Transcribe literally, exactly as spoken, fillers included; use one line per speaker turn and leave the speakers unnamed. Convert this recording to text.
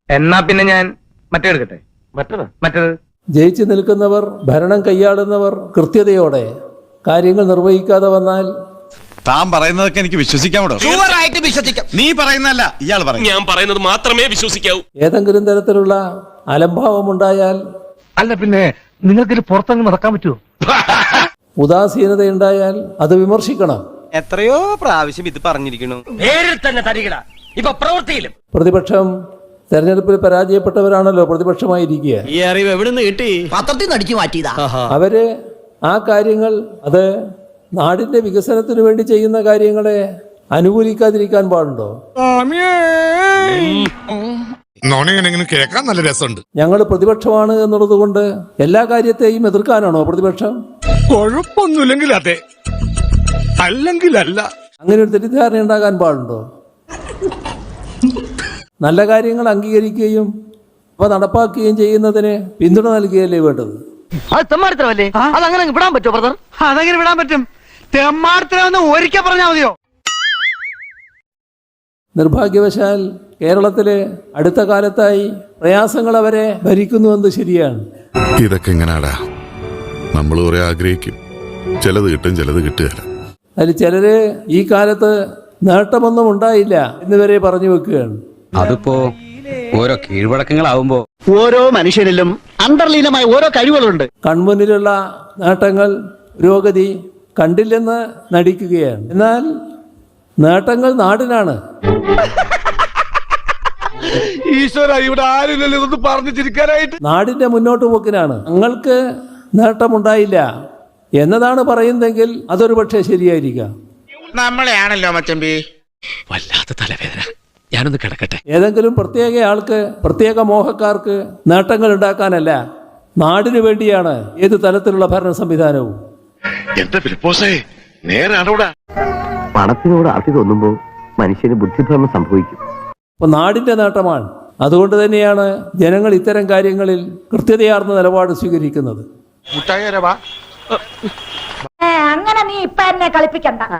എന്നാ പിന്നെ ഞാൻ മറ്റേ എടുക്കട്ടെ. മറ്റേത് മറ്റേത്
ജയിച്ചു നിൽക്കുന്നവർ, ഭരണം കൈയാളുന്നവർ കൃത്യതയോടെ കാര്യങ്ങൾ നിർവഹിക്കാതെ വന്നാൽ
താൻ പറയുന്നതൊക്കെ എനിക്ക് വിശ്വസിക്കാമോ?
വിശ്വസിക്കാം.
നീ പറയുന്നല്ല, ഇയാൾ പറയും.
ഞാൻ പറയുന്നത് മാത്രമേ വിശ്വസിക്കാവൂ.
ഏതെങ്കിലും തരത്തിലുള്ള അലംഭാവമുണ്ടായാൽ,
അല്ല പിന്നെ നിങ്ങൾക്ക് പുറത്തങ്ങ് നടക്കാൻ പറ്റുമോ?
ഉദാസീനതയുണ്ടായാൽ അത് വിമർശിക്കണം.
എത്രയോ പ്രാവശ്യം ഇത് പറഞ്ഞിരിക്കണു.
നേരിൽ തന്നെ തരികിട ഇപ്പൊ പ്രവൃത്തിയിലും.
പ്രതിപക്ഷം തെരഞ്ഞെടുപ്പിൽ പരാജയപ്പെട്ടവരാണല്ലോ പ്രതിപക്ഷമായിരിക്കുക.
ഈ അറിവ് എവിടുന്ന് കിട്ടി? പത്രത്തിൽ നിന്ന് അടിച്ചു മാറ്റിയതാ.
അവര് ആ കാര്യങ്ങൾ, അത് നാടിന്റെ വികസനത്തിന് വേണ്ടി ചെയ്യുന്ന കാര്യങ്ങളെ അനുകൂലിക്കാതിരിക്കാൻ പാടുണ്ടോ?
കേൾക്കാൻ നല്ല രസമുണ്ട്.
ഞങ്ങൾ പ്രതിപക്ഷമാണ് എന്നുള്ളത് കൊണ്ട് എല്ലാ കാര്യത്തെയും എതിർക്കാനാണോ പ്രതിപക്ഷം?
കുഴപ്പമൊന്നുമില്ലെങ്കിൽ അതെ, അല്ലെങ്കിൽ അല്ല.
അങ്ങനെ ഒരു തെറ്റിദ്ധാരണ ഉണ്ടാകാൻ പാടുണ്ടോ? നല്ല കാര്യങ്ങൾ അംഗീകരിക്കുകയും അവ നടപ്പാക്കുകയും ചെയ്യുന്നതിന് പിന്തുണ നൽകുകയല്ലേ വേണ്ടത്?
അത് തെമ്മാടിത്തരമല്ലേ? അതങ്ങനെ വിടാൻ പറ്റുമോ ബ്രദർ? അതെങ്ങനെ വിടാൻ പറ്റും? തെമ്മാടിത്തരം ഒരിക്കൽ പറഞ്ഞാൽ മതിയോ?
നിർഭാഗ്യവശാൽ കേരളത്തിലെ അടുത്ത കാലത്തായി പ്രയാസങ്ങൾ അവരെ ഭരിക്കുന്നുവെന്ന് ശരിയാണ്.
ഇതൊക്കെ എങ്ങനാടാ? നമ്മൾ കുറെ ആഗ്രഹിക്കും, ചിലത് കിട്ടും, ചിലത് കിട്ടുകയില്ല.
അതിൽ ചിലര് ഈ കാലത്ത് നേട്ടമൊന്നും ഉണ്ടായില്ല എന്നിവരെ പറഞ്ഞു വെക്കുകയാണ്.
അതിപ്പോ ഓരോ കീഴ്വഴക്കങ്ങളാവുമ്പോ
ഓരോ മനുഷ്യനിലും അന്തർലീനമായ ഓരോ കഴിവുകളുണ്ട്.
കൺമുന്നിലുള്ള നേട്ടങ്ങൾ, പുരോഗതി കണ്ടില്ലെന്ന് നടിക്കുകയാണ്. എന്നാൽ നേട്ടങ്ങൾ നാടിനാണ്.
ഈശ്വര, ഇവിടെ ആരില്ലല്ലോ ഇതൊന്ന് പറഞ്ഞു ചിരിക്കാനായിട്ട്.
നാടിന്റെ മുന്നോട്ട് പോക്കിനാണ്. ഞങ്ങൾക്ക് നേട്ടമുണ്ടായില്ല എന്നതാണ് പറയുന്നതെങ്കിൽ അതൊരു പക്ഷേ ശരിയായിരിക്കാം.
നമ്മളെയാണല്ലോ മച്ചമ്പി.
വല്ലാത്ത തലവേദന, ഞാനൊന്ന് കിടക്കട്ടെ.
ഏതെങ്കിലും പ്രത്യേക ആൾക്ക്, പ്രത്യേക മോഹക്കാർക്ക് നേട്ടങ്ങൾ ഉണ്ടാക്കാനല്ല, നാടിനു വേണ്ടിയാണ് ഏത് തലത്തിലുള്ള ഭരണ സംവിധാനവും.
പണത്തിനോട് ആർത്തി തോന്നുമ്പോ മനുഷ്യന് ബുദ്ധിഭ്രമം സംഭവിക്കും.
അപ്പൊ നാടിന്റെ നേട്ടമാണ്. അതുകൊണ്ട് തന്നെയാണ് ജനങ്ങൾ ഇത്തരം കാര്യങ്ങളിൽ കൃത്യതയാർന്ന നിലപാട് സ്വീകരിക്കുന്നത്.
അങ്ങനെ നീ ഇപ്പൊ എന്നെ കളിപ്പിക്കണ്ട.